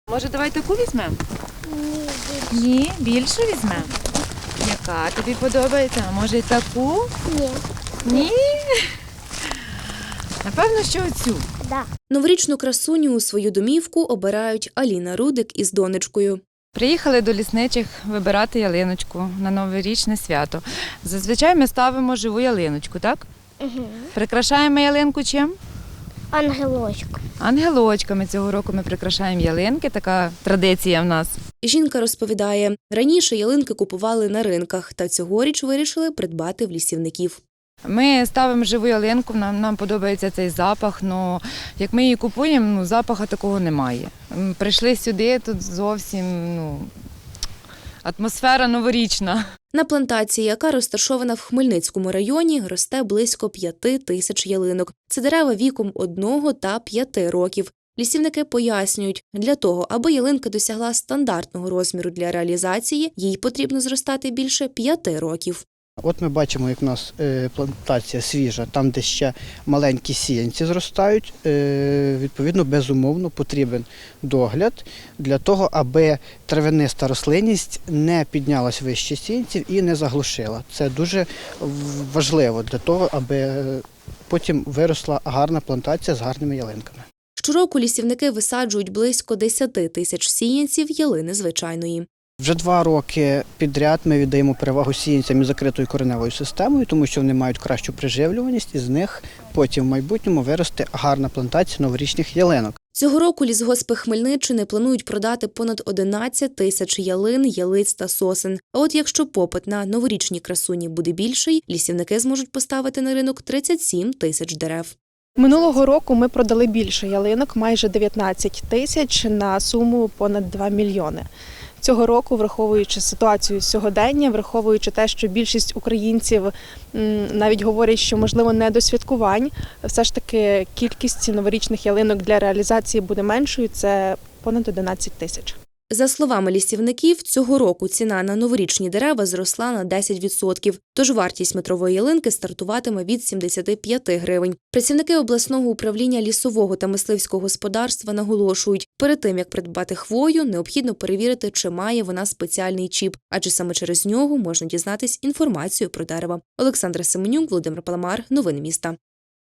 Може, давай таку візьмемо? Ні, Ні, більше візьмемо. Яка тобі подобається? А може, і таку? ні. Ні. Напевно, що оцю. Да. Новорічну красуню у свою домівку обирають Аліна Рудик із донечкою. Приїхали до лісничих вибирати ялиночку на новорічне свято. Зазвичай ми ставимо живу ялиночку, так? Угу. Прикрашаємо ялинку чим? Ангелочок. Ангелочками. Цього року ми прикрашаємо ялинки, така традиція в нас. Жінка розповідає, раніше ялинки купували на ринках, та цьогоріч вирішили придбати в лісівників. Ми ставимо живу ялинку, нам подобається цей запах, але як ми її купуємо, запаху такого немає. Прийшли сюди, тут зовсім атмосфера новорічна. На плантації, яка розташована в Хмельницькому районі, росте близько 5 тисяч ялинок. Це дерева віком 1 та 5 років. Лісівники пояснюють, для того, аби ялинка досягла стандартного розміру для реалізації, їй потрібно зростати більше 5 років. От ми бачимо, як у нас плантація свіжа, там, де ще маленькі сіянці зростають, відповідно, безумовно, потрібен догляд для того, аби травяниста рослинність не піднялась вище сіянців і не заглушила. Це дуже важливо для того, аби потім виросла гарна плантація з гарними ялинками. Щороку лісівники висаджують близько 10 тисяч сіянців ялини звичайної. Вже 2 роки підряд ми віддаємо перевагу сіянцям із закритою кореневою системою, тому що вони мають кращу приживлюваність, і з них потім в майбутньому виросте гарна плантація новорічних ялинок. Цього року лісгоспи Хмельниччини планують продати понад 11 тисяч ялин, ялиць та сосен. А от якщо попит на новорічні красуні буде більший, лісівники зможуть поставити на ринок 37 тисяч дерев. Минулого року ми продали більше ялинок, майже 19 тисяч на суму понад 2 мільйони. Цього року, враховуючи ситуацію сьогодення, враховуючи те, що більшість українців навіть говорять, що, можливо, не до святкувань, все ж таки кількість новорічних ялинок для реалізації буде меншою, це понад 11 тисяч. За словами лісівників, цього року ціна на новорічні дерева зросла на 10%, тож вартість метрової ялинки стартуватиме від 75 гривень. Працівники обласного управління лісового та мисливського господарства наголошують, перед тим, як придбати хвою, необхідно перевірити, чи має вона спеціальний чіп, адже саме через нього можна дізнатись інформацію про дерево. Олександра Семенюк, Володимир Паламар. Новини міста.